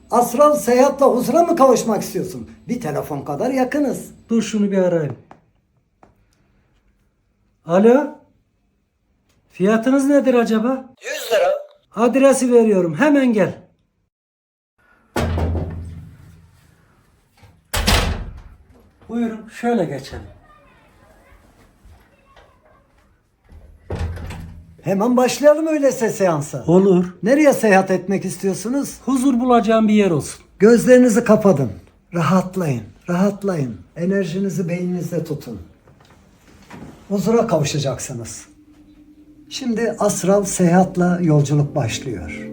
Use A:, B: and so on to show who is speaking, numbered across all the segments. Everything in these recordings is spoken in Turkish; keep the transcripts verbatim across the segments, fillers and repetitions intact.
A: Astral seyahatle huzura mı kavuşmak istiyorsun? Bir telefon kadar yakınız.
B: Dur şunu bir arayayım. Alo? Fiyatınız nedir acaba?
A: yüz lira.
B: Adresi veriyorum. Hemen gel. Buyurun şöyle geçelim.
A: Hemen başlayalım öyleyse seansa.
B: Olur.
A: Nereye seyahat etmek istiyorsunuz?
B: Huzur bulacağım bir yer olsun.
A: Gözlerinizi kapatın. Rahatlayın, rahatlayın. Enerjinizi beyninizde tutun. Huzura kavuşacaksınız. Şimdi astral seyahatla yolculuk başlıyor.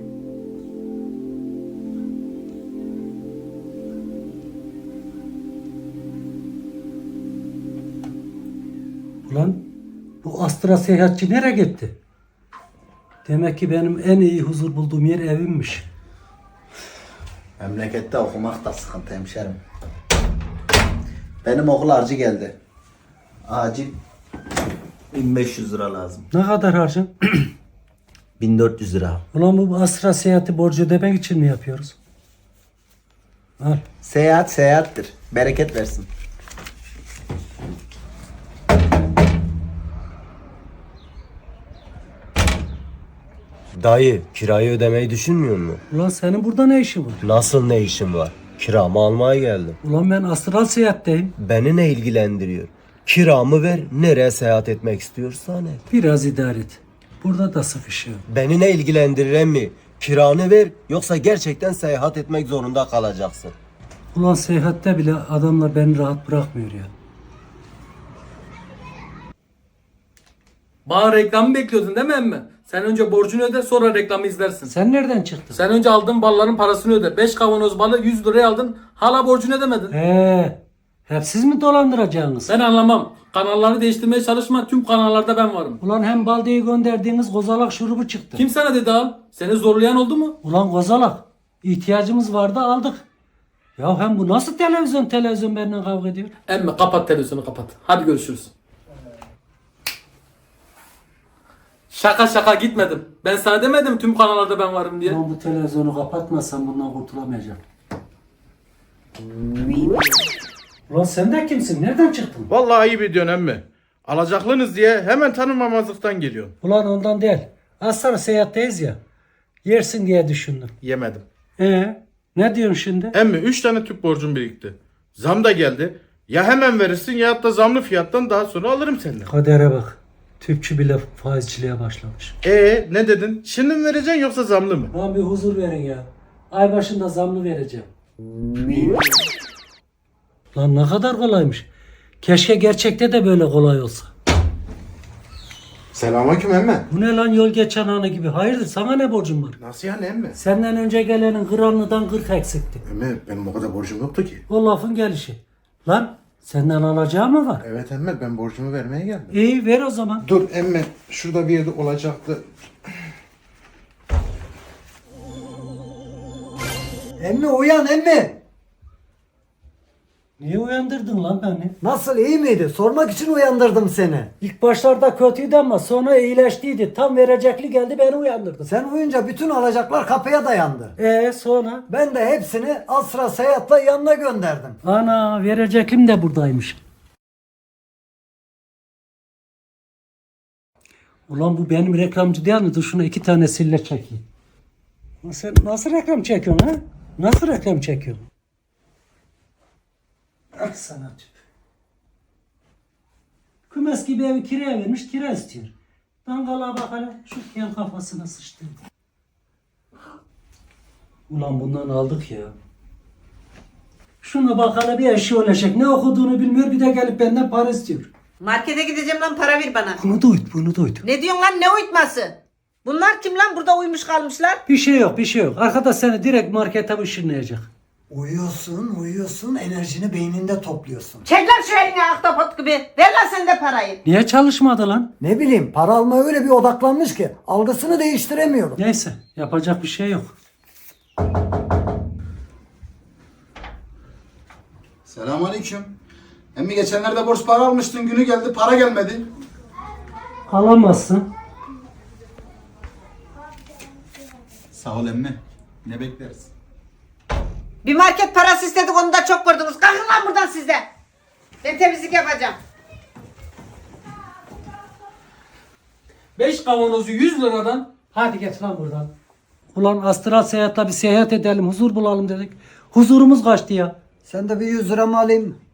B: Ulan bu Astra seyahatçi nereye gitti? Demek ki benim en iyi huzur bulduğum yer evimmiş.
C: Memlekette okumak da sıkıntı hemşerim. Benim okul harcı geldi. Acil bin beş yüz lira lazım.
B: Ne kadar harcın?
C: bin dört yüz lira.
B: Ulan bu Astra seyahati borcu ödemek için mi yapıyoruz? Al.
C: Seyahat seyahattir. Bereket versin.
D: Dayı, kirayı ödemeyi düşünmüyor musun?
B: Ulan senin burada ne işin var?
D: Nasıl ne işin var? Kiramı almaya geldim.
B: Ulan ben astral seyahatteyim.
D: Beni ne ilgilendiriyor? Kiramı ver, nereye seyahat etmek istiyorsan et.
B: Biraz idare et. Burada da sıkışıyor.
D: Beni ne ilgilendirir emmi? Kiranı ver, yoksa gerçekten seyahat etmek zorunda kalacaksın.
B: Ulan seyahatte bile adamlar beni rahat bırakmıyor ya.
E: Bana reklamı bekliyordun değil mi emmi? Sen önce borcunu öde, sonra reklamı izlersin.
B: Sen nereden çıktın?
E: Sen önce aldığın balların parasını öde. beş kavanoz balı yüz liraya aldın. Hala borcunu ödemedin.
B: Eee, hep siz mi dolandıracaksınız?
E: Ben anlamam. Kanalları değiştirmeye çalışma. Tüm kanallarda ben varım.
B: Ulan hem baldeyi gönderdiğiniz kozalak şurubu çıktı.
E: Kim sana dedi al? Seni zorlayan oldu mu?
B: Ulan kozalak, ihtiyacımız vardı aldık. Ya hem bu nasıl televizyon televizyon benimle kavga ediyor?
E: Emmi kapat televizyonu kapat. Hadi görüşürüz. Şaka şaka gitmedim. Ben sana demedim tüm kanallarda ben varım diye.
B: Ulan bu televizyonu kapatmazsan bundan kurtulamayacağım. Ulan sen de kimsin? Nereden çıktın?
F: Vallahi ayıp ediyorsun emmi. Alacaklınız diye hemen tanımamazlıktan geliyorsun.
B: Ulan ondan değil. Aslan seyahatteyiz ya. Yersin diye düşündüm.
F: Yemedim.
B: Ee, ne diyorsun şimdi?
F: Emmi üç tane tüp borcum birikti. Zam da geldi. Ya hemen verirsin ya da zamlı fiyattan daha sonra alırım senden.
B: Kadere bak. Tüpçü bile faizciliğe başlamış.
F: Ee ne dedin? Şimdi mi vereceksin yoksa zamlı mı?
B: Lan bir huzur verin ya. Ay başında zamlı vereceğim. Lan ne kadar kolaymış. Keşke gerçekte de böyle kolay olsa.
F: Selamünaleyküm emmi.
B: Bu ne lan yol geçen anı gibi. Hayırdır sana ne borcum var?
F: Nasıl yani emmi?
B: Senden önce gelenin kıranlıdan kırk eksikti.
F: Emmi benim o kadar borcum yoktu ki.
B: O lafın gelişi. Lan senden alacağı mı var?
F: Evet emmi ben borcumu vermeye geldim.
B: İyi ver o zaman.
F: Dur emmi şurada bir yerde olacaktı.
A: Emmi uyan emmi.
B: Niye uyandırdın lan beni?
A: Nasıl, iyi miydi? Sormak için uyandırdım seni.
B: İlk başlarda kötüydü ama sonra iyileştiydi. Tam verecekli geldi beni uyandırdı.
A: Sen uyunca bütün alacaklar kapıya dayandı.
B: Ee sonra?
A: Ben de hepsini Astra seyahatle yanına gönderdim.
B: Ana vereceklim de buradaymış. Ulan bu benim reklamcı değil mi? Dur şuna iki tane sille çekeyim. Sen nasıl reklam çekiyorsun ha? Nasıl reklam çekiyorsun? Ah sana tüp. Kümes gibi evi kiraya vermiş, kira istiyor. Dangalığa bak hele, şu yan kafasına sıçtı. Ulan bundan aldık ya. Şuna bak hele bir eşi olacak. Ne okuduğunu bilmiyor, bir de gelip benden para istiyor.
G: Markete gideceğim lan, para ver bana.
B: Bunu da uyut, bunu da uyut.
G: Ne diyorsun lan, ne uyutması? Bunlar kim lan, burada uyumuş kalmışlar?
B: Bir şey yok, bir şey yok. Arkadaş seni direkt markete ışınlayacak.
A: Uyuyorsun, uyuyorsun, enerjini beyninde topluyorsun.
G: Çek lan şu elini ahtapot gibi. Ver lan sen de parayı.
B: Niye çalışmadı lan?
A: Ne bileyim, para almaya öyle bir odaklanmış ki algısını değiştiremiyorum.
B: Neyse, yapacak bir şey yok.
C: Selamünaleyküm. Emmi geçenlerde borç para almıştın, günü geldi para gelmedi.
B: Alamazsın.
C: Sağ ol emmi. Ne bekleriz?
G: Bir market parası istedik, onu da çok gördünüz. Kalkın lan buradan siz de. Ben temizlik yapacağım.
B: Beş kavanozu yüz liradan. Hadi geç lan buradan. Ulan astral seyahatle bir seyahat edelim, huzur bulalım dedik. Huzurumuz kaçtı ya.
A: Sen de bir yüz lira mı alayım?